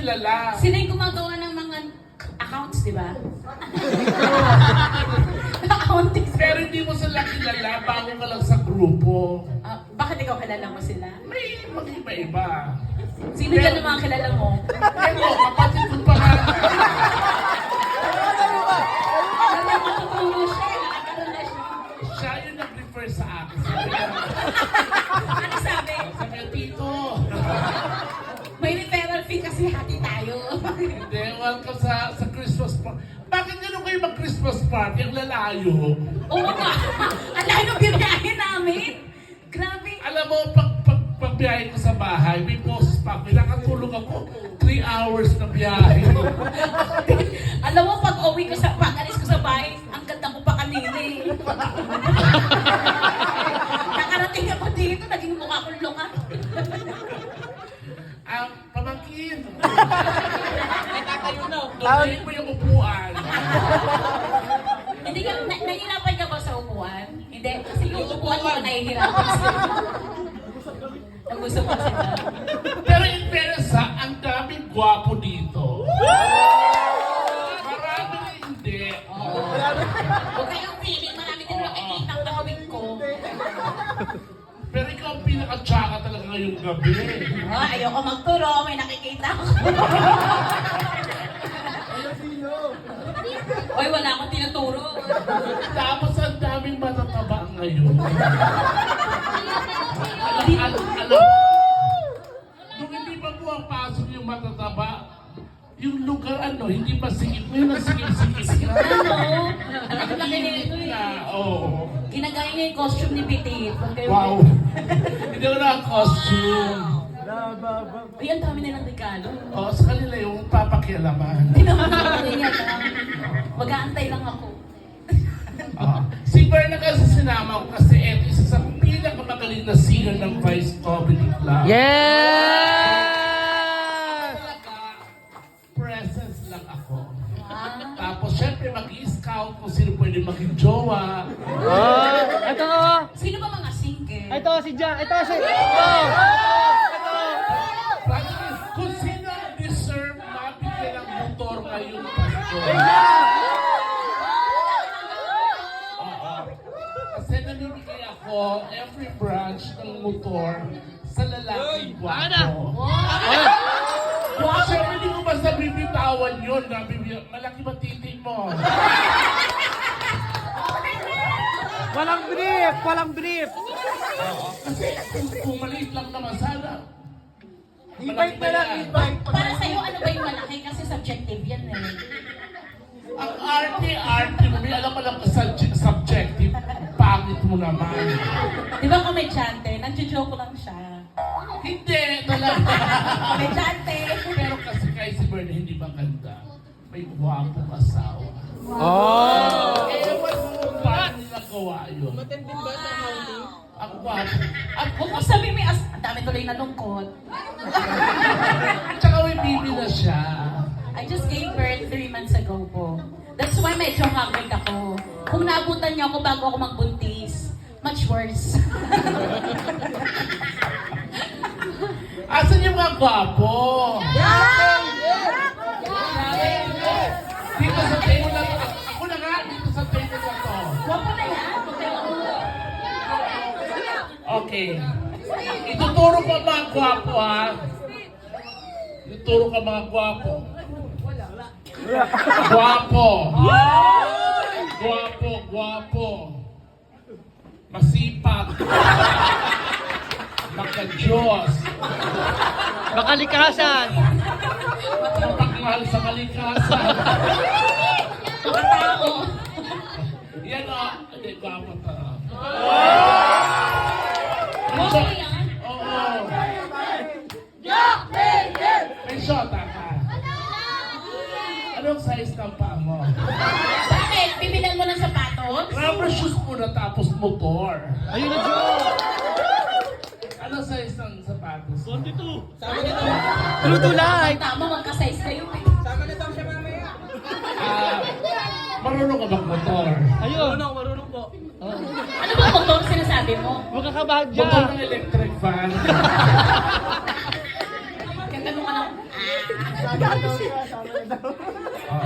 kilala. Sila yung gumagawa ng mga accounts, di ba? Accounting. Pero hindi mo sila kilala, bago ka lang sa grupo. Bakit ikaw kilala mo sila? May mag-iba-iba. Sino dyan ang mga kilala mo? Pero kapatid ko pa nga. May matuturo siya, nakakaroon na siya. Siya yung nag-refer sa akin. Ano sabi? Sabi niya, Tito. May referral fee kasi hati tayo. Hindi, welcome sa Christmas party. Bakit gano'n kayo mag-Christmas party? Ang lalayo. Oo nga. Ang layo ng binahin namin. Grabe. Alam mo, pagbiyahe ko sa bahay, may boses pa ako. Nakatulog ako 3 hours na biyahe. Alam mo, pag-alis ko sa bahay, ang ganda ko pa kanina eh. Nakarating ako dito, naging mukha kong lunga. Pamangkin. Doon mo yung upuan. Hindi ka, nahihirapan ka ba sa upuan? Hindi, kasi yung upuan mo nahihirapan sila. Nagusto mo sila. Pero in fairness ha, ang daming gwapo dito. Marami na hindi. Huwag kayong feeling, marami din nakikita ang kahawig ko. Pero ikaw ang pinaka-tsaka talaga ngayong gabi. Ayoko magturo, may nakikita ako. Oy, wala akong tinuturo. Tapos ang daming matataba ngayon. Alam nung hindi pa pumapasok yung matataba, yung lugar hindi pa sigip. Ngayon ang sigip-sigip na. Ang laki nito eh. Oo. Ginagaya niya yung costume ni Petit. Wow. Hindi ko na costume. Uy, ang dami nilang regalo. Oo, sa kanila yung papakialaman. Hindi naman ako yan. Mag-aantay lang ako. Si Berna kasi sinama ko kasi eto isa sa pinakamagaling na singer ng Vice Comedy Club. Yes! Talaga, presence lang ako. Ah. Tapos syempre mag-i-scout kung sino pwede maging jowa. Oh, ito oh. Sino ba mga single? Ito si John. Ito si... Practice, kung sino ang deserve mabigyan ng motor ngayong Pasko. Kasi namimigay ako every branch ng motor sa lalaking gwapo. Siyempre, hindi ko basta bibitawan yun. Malaki ba titig mo? Walang brief! Walang brief! Kasi kung maliit lang naman sana. Invite na lang, invite. Para sa'yo, ano ba yung malaki? Kasi subjective yan eh. Ang arte mo, may alam mo lang subjective. Pangit mo naman. Di ba komedyante? Nagjo-joke lang siya. Hindi, talaga. Komedyante! Pero kasi kay si Bernie hindi maganda. May gwapong asawa. Oh! Ewan mo kung paano nila gawa yun. Matindin ba sa housing? Ang gwapo. At kung sabi may ang dami tuloy na lungkot. Tsaka may bibi na siya. I just gave birth 3 months ago po. That's why medyo haggard ako. Kung naabutan niyo ako bago ako magbuntis, much worse. Asan yung mga gwapo? Dito sa table na to. Ako na nga, dito sa table na to. Wapo na yan. Okay. Ituturo ko mga gwapo ha. Ituturo ka mga gwapo. Gwapo. Gwapo. Masipag. Makadiyos. Makalikasan! Mapagmahal sa kalikasan. Tao. Yan o. Hindi, gwapo ta. Wapo yan. Oo. May shota ka. Anong size ng paa mo? Bakit? Bibilan mo ng sapatos? Rubber shoes muna tapos motor. Ayun na, Joe! Anong size ng sapatos? 22! Sama nito! Tulay! Tama, magka-size kayo eh. Marunong ka bang motor? Ayun! Marunong po. Ano ba motor sinasabi mo? Huwag kang kabahadya! Motor ng electric fan. Ganda mo ka ng... Sama na daw siya, sama na daw.